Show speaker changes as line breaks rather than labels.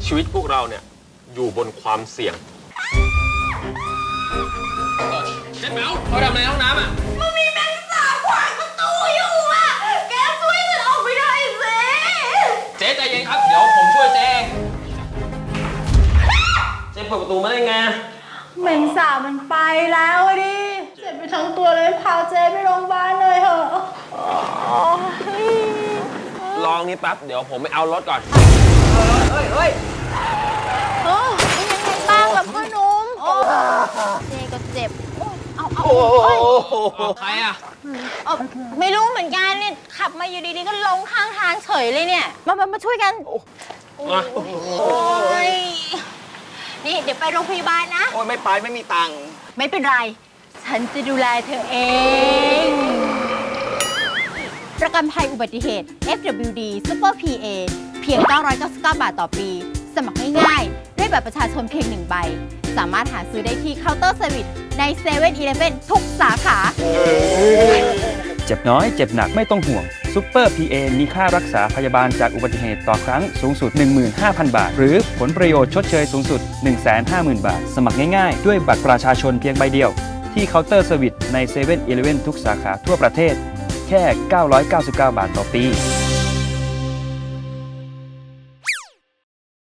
ชีวิตพวกเราเนี่ยอยู่บนความเสี่ยงเจ๊แมวเขาทำอะไรห้องน้ำอ่ะ
มันมีแมงสาบขวางประตูอยู่อ่ะแกช่วยฉันออกไปหน่อยสิ
เจ๊ใจเย็นครับเดี๋ยวผมช่วยเจ๊เจ๊เปิดประตูมาได้ไง
แมงสาบมันไปแล้วดิเจ็บไปทั้งตัวเลยพาเจ๊ไปโรงพยาบาลเลยเถอะ
ลองนี่แป๊บเดี๋ยวผมไปเอารถก่อน
เป็นยังไงบ้างล่ะพ่อหนุ่มเจ๊ก็เจ็บเอา
ใครอ่ะ
ไม่รู้เหมือนกันเนี่ยขับมาอยู่ดีๆก็ลงข้างทางเฉยเลยเนี่ยมาช่วยกันโอ้ยนี่เดี๋ยวไปโรงพยาบาลนะ
โอ้ยไม่ไปไม่มีตังค์
ไม่เป็นไรฉันจะดูแลเธอเอง ประกันภัยอุบัติเหตุ FWD Super PA เพียง 999 บาทต่อปี สมัครง่ายๆด้วยบัตรประชาชนเพียง1 ใบ สามารถหาซื้อได้ที่เคาน์เตอร์เซอร์วิสใน7-Eleven ทุกสาขา
เจ็บน้อยเจ็บหนักไม่ต้องห่วงซูเปอร์ PA มีค่ารักษาพยาบาลจากอุบัติเหตุต่อครั้งสูงสุด 15,000 บาท หรือผลประโยชน์ชดเชยสูงสุด 150,000 บาท สมัครง่ายๆ ด้วยบัตรประชาชนเพียงใบเดียว ที่เคาน์เตอร์เซอร์วิสใน7-Eleven ทุกสาขาทั่วประเทศ แค่ 999 บาทต่อปี